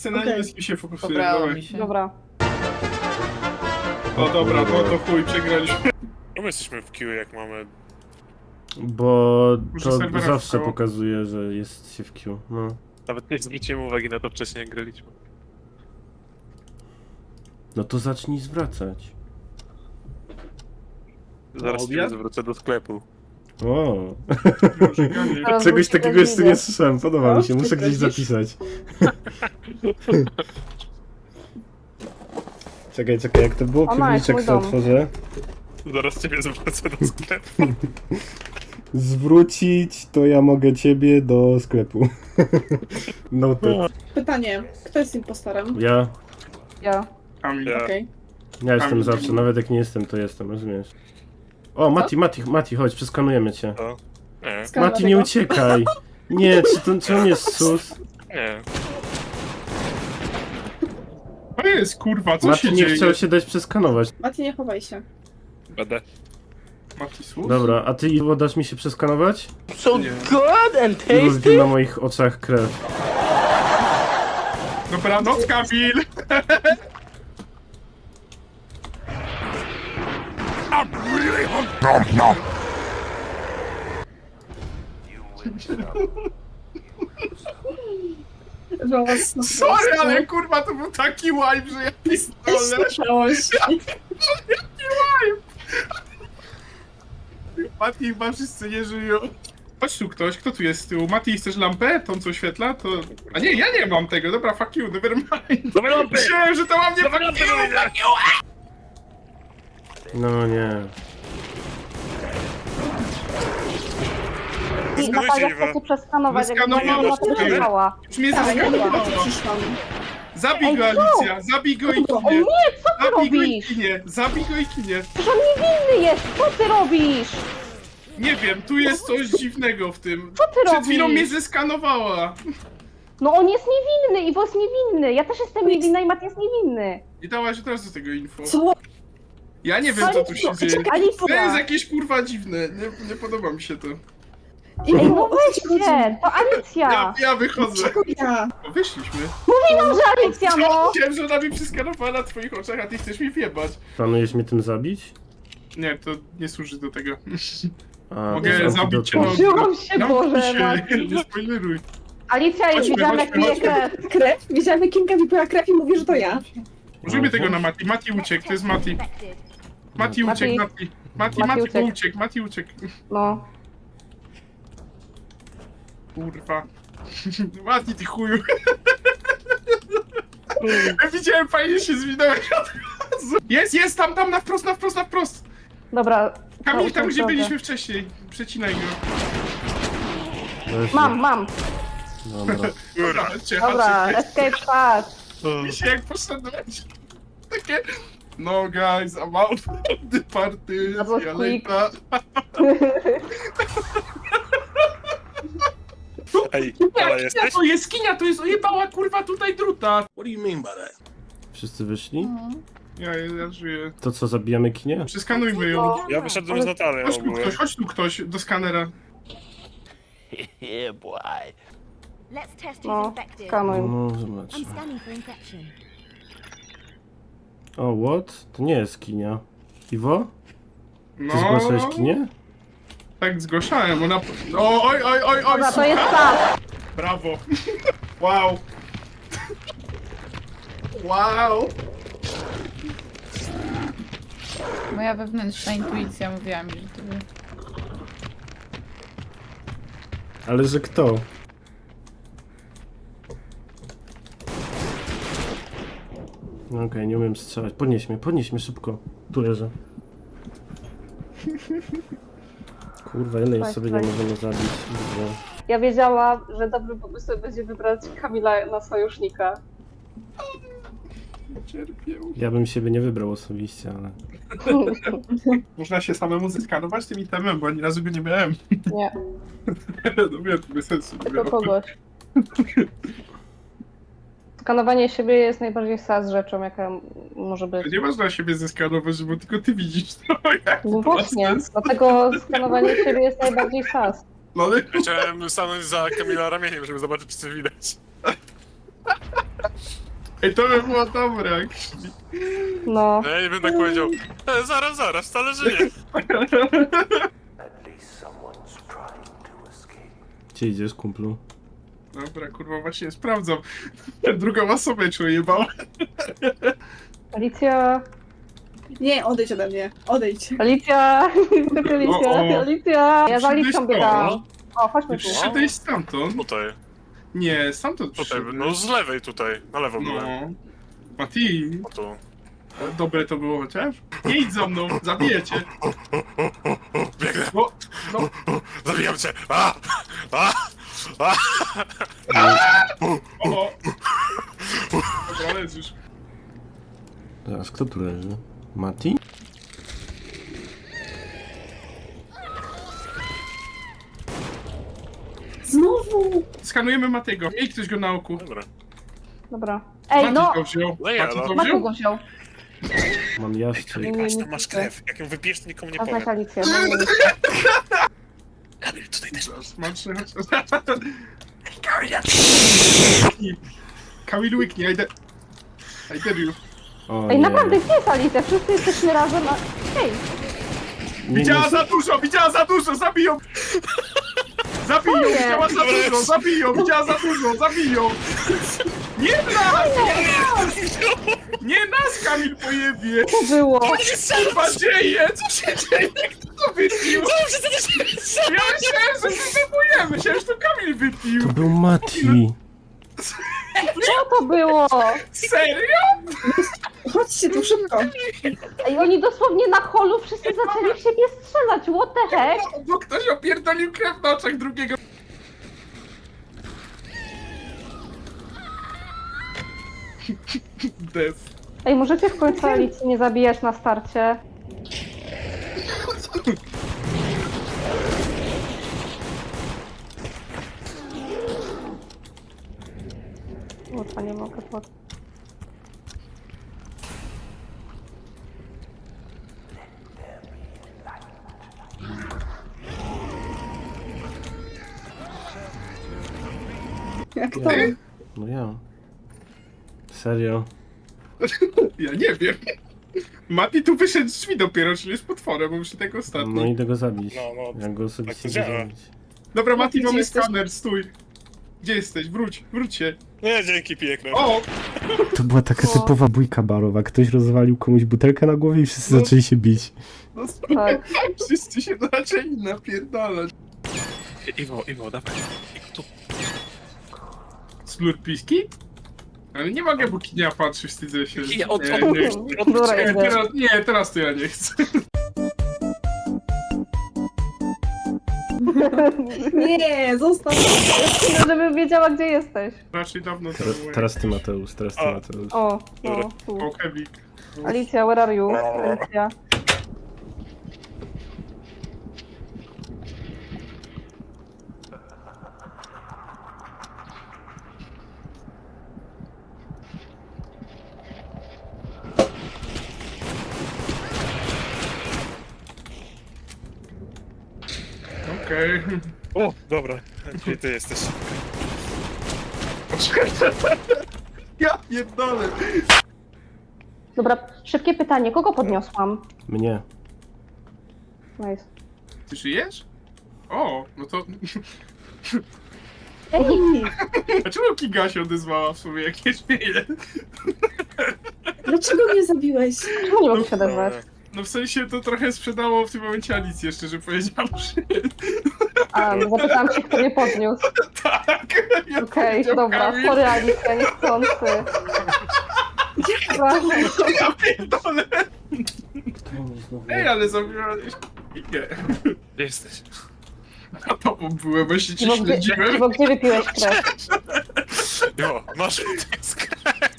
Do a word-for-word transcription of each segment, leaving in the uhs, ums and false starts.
wszyscy na Okej. niebieskim się fokusują. Pobrało Dawaj. mi się. Dobra. O dobra, no to chuj, przegraliśmy. Czemu jesteśmy w queue, jak mamy... Bo Może to serwera zawsze wstało. pokazuje, że jest się w queue. No. Nawet nie zwróciłem uwagi na to wcześniej, jak graliśmy. No to zacznij zwracać. Zaraz obiad? cię zwrócę do sklepu. O, Może ja nie. Teraz czegoś wrócę takiego do jeszcze widzę. nie słyszałem, podoba mi się, O, muszę ty gdzieś kręcisz? zapisać. Czekaj, czekaj, jak to było? O, nice, Piwniczek mój sobie dom. otworzę. Zaraz ciebie zwrócę do sklepu. Zwrócić to ja mogę ciebie do sklepu. No to Pytanie, kto jest impostorem? ja, Ja. Kamil. Ja. Okej. ja jestem Kamil. zawsze, nawet jak nie jestem, to jestem, rozumiesz? O, Mati, Mati, Mati, chodź, przeskanujemy cię. To? Nie, Skala Mati, nie tego. uciekaj! Nie, czy, to, czy on jest sus? nie. To jest kurwa, co się Mati nie dzieje? chciał się dać przeskanować. Mati, nie chowaj się. Będę. Matisus? Dobra, a ty Iwo, dasz mi się przeskanować? So Nie. good and Już tasty. wiem na moich oczach krew. Dobranoc, Kamil! Sorry, ale kurwa to był taki wipe, że ja pistolę. Słyszałeś. Mati chyba wszyscy nie żyją. Chodź tu ktoś, kto tu jest z tyłu? Mati, chcesz lampę? Tą co oświetla? To... A nie, ja nie mam tego, dobra, fuck you, never mind. Dawaj lampy! Myślałem, że to mam nie Dawaj fuck lampy, you, dawaj! fuck you! No nie. Zgadujcie, Natalia Iwa. chce się przeskanować, jakby Zeskanowało ona się. przyjechała. Już mnie Tak, ja zaskanowało. dopiero co przyszłam. Zabij go, Ej, co? Alicja, zabij go i O kinie. nie, co ty Zabij go i robisz? kinie, zabij go i kinie. Przecież on niewinny jest, co ty robisz? Nie wiem, tu jest coś dziwnego w tym. Co ty Przed chwilą mnie robisz? zeskanowała. No on jest niewinny, Iwo jest niewinny, ja też jestem niewinna i Mat jest niewinny. I dałaś od razu tego info. Co? Ja nie wiem, co tu się dzieje. To jest Alicja! jakieś kurwa dziwne, nie, nie podoba mi się to. I Ej, no weźcie, to Ja, Alicja! ja wychodzę. Czego ja? O, wyszliśmy. Mówię nam, że Alicja, no! Chciałem, że ona mi przeskanowała na twoich oczach, a ty chcesz mi wjebać. Planujesz mnie tym zabić? Nie, to nie służy do tego. A, Mogę to zabić cię, to- no. Użyłam się, No, Boże, się, Mati. nie spoileruj. Alicja jest, Chodźmy, widziałam jak chodźmy, pije chodźmy. krew. Krew? Widziałam, jak Kinga wypiła krew i mówi, że to ja. Użyjmy Aha. tego na Mati. Mati uciekł, to jest Mati. Mati Mati. uciekł, Mati. Mati, Mati Mati uciekł. uciekł, Mati uciekł. No. Kurwa. Mati, ty chuju. Ja widziałem, fajnie się zwinąłeś od razu. Jest, jest, tam, tam, na wprost, na wprost, na wprost. Dobra. Kamil, to tam już gdzie dobrze. byliśmy wcześniej. Przecinaj go. Weź Mam, mnie. mam. Dobra. Dobra, cię Dobra, haczyk. escape pass. Mi się jak poszedłeś. Takie... No guys, I'm out of the party. That was See you quick. later. Ej, Nie, ale kinia jesteś? to jest, kinia to jest, ojebała kurwa tutaj druta. Wszyscy wyszli? Ja, ja żyję. To co, zabijamy kinie? Przeskanujmy ją. Ja wyszedłem z Natalią Chodź tu ogólnie. ktoś, chodź tu ktoś do skanera. Yeah, boy. Let's test who's No, infected. skanuj. No, zobacz. I'm scanning for infection. O, what? To nie jest kinia. Iwo? Ty No, zgłaszałeś kinie? tak zgłaszałem, ona... O, oj, oj, oj, oj, Dobra, to słuchaj. jest pas. Brawo. Wow. Wow. Moja wewnętrzna intuicja mówiła mi, że to był... Ale że kto? No okej, nie umiem strzelać. Podnieś mnie, podnieś mnie szybko. Tu leżę. Kurwa, ile już Tak, sobie tak. nie możemy zabić. Dobrze. Ja wiedziałam, że dobrym pomysłem będzie wybrać Kamila na sojusznika. Cierpię. Ja bym siebie nie wybrał osobiście, ale... Można się samemu zeskanować tym itemem, bo ani razu go nie miałem. Nie, No wiem, to bez sensu. nie tylko miało. kogoś. Skanowanie siebie jest najbardziej sas rzeczą, jaka może być. Nie można siebie zeskanować, bo tylko ty widzisz to. Jak No to ma właśnie, sens? dlatego skanowanie siebie jest najbardziej sas. No ale... Ja chciałem stanąć za Kamila ramieniem, żeby zobaczyć, czy coś widać. Ej, to by było dobre, jak szli. No. Ja nie bym tak powiedział. E, zaraz, zaraz, wcale żyje. Gdzie idziesz, kumplu? Dobra, kurwa, właśnie sprawdzam. Drugą osobę czuję, bo... Alicja, Nie, odejdź ode mnie. Odejdź. Alicja, Alicja, O, o. Alicja. Ja za Alicją biegam. O, Nie chodźmy tu. przyszedłeś stamtąd? Tutaj, Nie, stamtąd tutaj, przyszedłeś. no z lewej tutaj, na lewo byłem. No. Mati, O tu. dobre to było chociaż? Nie idź za mną, zabiję cię. Biegnę, No, no, zabijam cię! A! A! A! o, o. Dobra, leżysz. Zaraz, kto tu leży? Mati? Znowu! Skanujemy Matiego. Miej ktoś go na oku. Dobra. Dobra. Ej, Mati no! go wziął. No ja, Mati no. go Maku wziął. go wziął. Mam jaszczyk. Nie, nie, Aż nie tam masz chcę. krew. Jak ją wypijesz, to nikomu nie A znasz powiem. Alicję, no nie. Kamil, tutaj też. Smaczny, chodź. Kamil łyknie, I, de... I dare you. O, Ej, nie. naprawdę, gdzie jest Alicja? Wszyscy jesteśmy razem, a... Hej! Nie, Widziała nie. za dużo, widziała za dużo, zabiją! Zabiją, Nie. widziała za dużo, zabiją, widziała za dużo, zabiją! Nie nas! Nie nas, Kamil pojebie! Co było? Co się kurwa dzieje? Co się dzieje? Kto to wypił? Ja myślałem, że się zabujemy, myślałem, że to Kamil wypił! To był Mati. Co to było? Serio? Chodźcie tu szybko. Ej, oni dosłownie na holu wszyscy zaczęli w siebie strzelać, what the heck? Bo ktoś opierdolił krew na oczach drugiego. Death. Ej, możecie w końcu Alicji nie zabijać na starcie? Łatwa nie mogę pod... Jak to? Ty? No ja. Serio. Ja nie wiem. Mati tu wyszedł z drzwi dopiero, czyli jest potworem, bo już tego ostatni. No idę go zabić. No, no, Ja go osobiście tak to idę działa. zabić. Dobra, Mati, Gdzie mamy jesteś? skaner, stój. Gdzie jesteś? Wróć, wróć się. Nie, dzięki, piję krew. O! To była taka O. typowa bójka barowa. Ktoś rozwalił komuś butelkę na głowie i wszyscy No. zaczęli się bić. No Tak. wszyscy się zaczęli napierdalać. Iwo, Iwo, dawaj. Iwo, tu. Slurpiski? Ale nie mogę, bo kinia patrzy, wstydzę się. Kinia, od- nie, od- nie, chcę. Dobra, nie, idę. teraz, nie, teraz to ja nie chcę. Nie, zostaw. Żebym wiedziała, gdzie jesteś. Raczej dawno to Teraz, było. teraz ty Mateusz, teraz ty A. Mateusz. O, Dobra. no, tu. O, Kevik. Alicja, where are you? Alicja. Okej. O, dobra. Gdzie ty jesteś? Ja pierdolę. Dobra, szybkie pytanie, kogo podniosłam? Mnie. Nice. Ty żyjesz? O, no to... Ej, Dlaczego Kinga się odezwała w sumie, jak nie żyje? Dlaczego mnie zabiłeś? czemu nie mogę się odezwać? No w sensie to trochę sprzedało w tym momencie Alicję, szczerze powiedziawszy. A, no zapytałam się, kto mnie podniósł. Tak. Ja Okej, powiedział dobra, Kamil. sorry Alicja, niechcący. Przepraszam. Ja pierdolę. To znowu- Ej, ale zabiłeś Kingę. Gdzie jesteś? A tobą byłem, bo się cię Iwo, gdzie, śledziłem. Iwo, gdzie wypiłeś krew? Iwo, masz tyskę.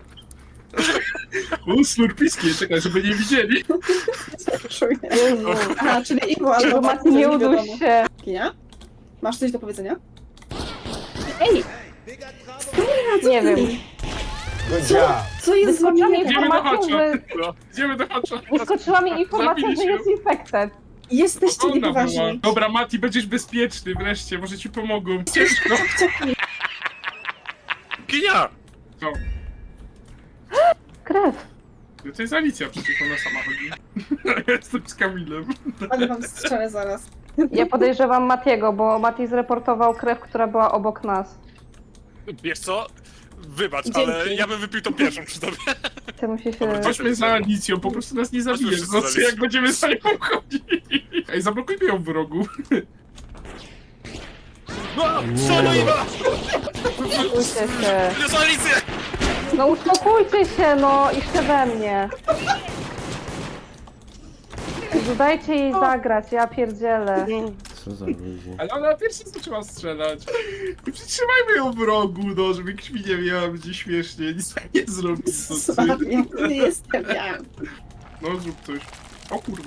U, slurpiski, czekaj, żeby nie widzieli. Czuję. Jezu. Aha, czyli Iwo albo Iwo, Mati, Mati, nie nie wiadomo. uduś się. Kinia? Masz coś do powiedzenia? Ej! Nie wiem. Co, co jest z wami Wyskoczyła mi nie tak? Idziemy do informacja, hacza. że... No, idziemy do hacza. Wyskoczyła mi informacja, że Zabiliśmy. jest infected. Jesteście Ona była. niepoważni. Dobra, Mati, będziesz bezpieczny wreszcie, może ci pomogą. Ciężko. Kinia! Co? Krew. No to jest Alicja, przecież ona sama chodzi. Ja jestem z Kamilem. Ale wam strzelę zaraz. Ja podejrzewam Matiego, bo Mati zreportował krew, która była obok nas. Wiesz co? Wybacz, Dzięki. ale ja bym wypił tą pierwszą przy tobie. Ty musi się... Dobra, Chodźmy za Alicją, po prostu nas nie zabije. wszyscy za Znaczy, jak Alicją. będziemy za nią chodzić. Ej, zablokujmy ją w rogu. No, co no i ma? Uspokójcie się. Jest Alicję! No uspokójcie się, no i jeszcze we mnie. Jezu, dajcie jej zagrać, ja pierdzielę. Co za ludzi. Ale ona pierwsza zaczęła strzelać. Przytrzymajmy ją w rogu, no, żeby krwi nie miała, będzie śmiesznie. Nic nie zrobi. To ty. Słabie, to nie jestem ja. No, zrób coś. O kurwa.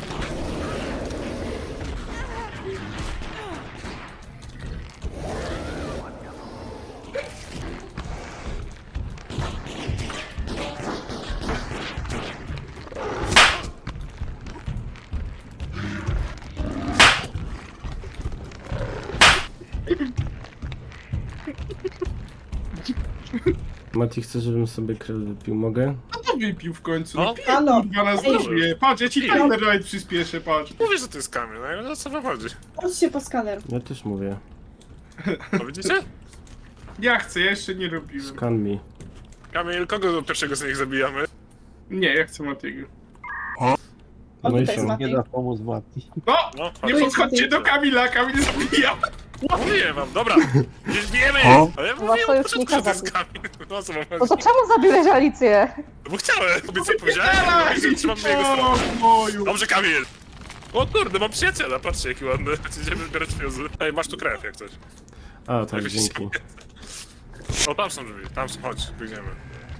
Mati, chcesz, żebym sobie krew wypił? Mogę? No to wypił w końcu. No. No, pij, Halo. kurwa, nas Ej. dożyje. Patrz, ja ci timer nawet przyspieszę, patrz. Mówię, że to jest Kamil, no i o co wam chodzi? Chodźcie po skaner. Ja też mówię. No widzicie? Ja chcę, ja jeszcze nie robiłem. Scan me. Kamil, kogo do pierwszego z nich zabijamy? Nie, ja chcę Matiego. O, No i tutaj jest co? Mati. Nie da pomóc Mati. No! No, Nie Tu jest podchodźcie Mati. do Kamila, Kamil zabija! mówiłem wam, dobra. Gdzieś bijemy! Ale ja Was mówiłem od sojusznika początku, że to jest zabił. Kamil. No co wam No to chodzi? czemu zabiłeś Alicję? No bo chciałem, bo co powiedziałem, no, że trzymam na jego O, stronę. moju! Dobrze, Kamil! O kurde, mam przyjaciela, patrzcie jaki ładny. Idziemy zbierać fiuzy. Ej, masz tu krew jak coś. A, tak, dzięki. O, tam są drzwi, tam są, chodź, pójdziemy.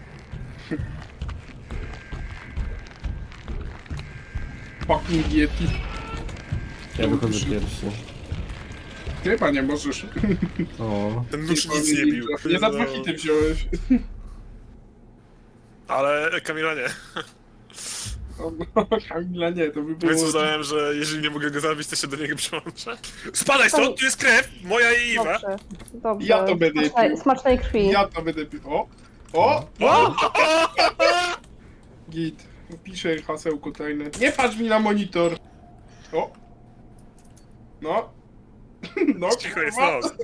Fucking Yeti. Ja wychodzę pierwszy. Ty chyba nie możesz. O, Ten nóż nic nie bił. Nie na dwa hity wziąłeś. Ale Kamila nie. O, no, Kamila nie, to by było... Więc uznałem, że jeżeli nie mogę go zabić, to się do niego przyłączę. Spadaj stąd, tu jest krew! Moja i Iwa! Dobrze, dobrze. Ja to będę Smacznej, pił. smacznej krwi. Ja to będę pił. O! O! O! Git. Piszę hasełko tajne. Nie patrz mi na monitor! O! No! No, Cicho jest kurwa. nos.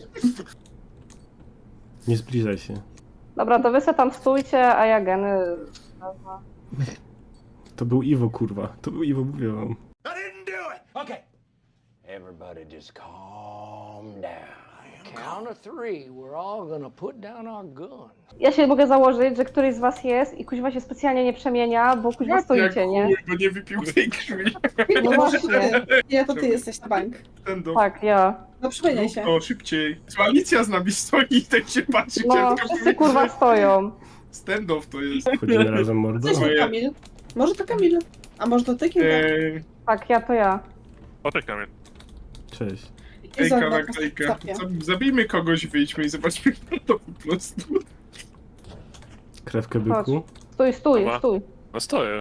nie zbliżaj się. Dobra, to wy se tam stójcie, a ja geny... wezmę. To był Iwo, kurwa. To był Iwo, mówię wam. I didn't do it. Okay. Everybody just calm down. Count of three. We're all gonna put down our guns. Ja się mogę założyć, że któryś z was jest i kuźwa się specjalnie nie przemienia, bo kuźwa Jak stoicie, nie? chuj, bo nie wypił tej krwi. No właśnie. Nie, to ty jesteś na bank. Ten do... Tak, ja. No przemieniaj się. O, szybciej. Alicja z nami stoi i tak się patrzy. No, chciałem tylko wszyscy powiedzieć, kurwa że stoją. Stand-off to jest. Chodzimy razem, mordo? Cześć, Moje- Kamil. Może to Kamil. A może to ty, Kilka? Eee, Tak, ja to ja. O, tak Kamil. Cześć. Ejka Zobacz, na klejkę. zapie. Zab- Zabijmy kogoś, wyjdźmy i zobaczmy kto to po prostu. Krewkę byku? Stój, stój, Dobra. stój. No stoję.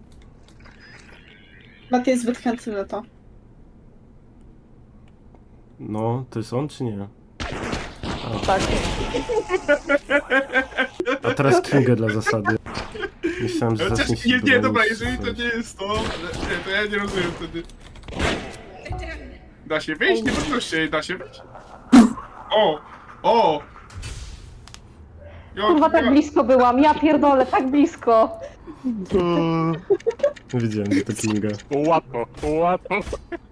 Mati jest zbyt chętny na to. No, to jest on czy nie? Tak. A teraz Kinga dla zasady. Myślałem, że Chociaż zacznie się nie, nie, bronić, dobra, czy jeżeli to coś. nie jest to, nie, to ja nie rozumiem wtedy. Da się wyjść? Nie podnoście, da się wyjść. O! O! Jo, Kurwa, tak ja- blisko byłam, ja pierdolę, tak blisko. Wiedziałem, że to Kinga. Łatwo, łatwo.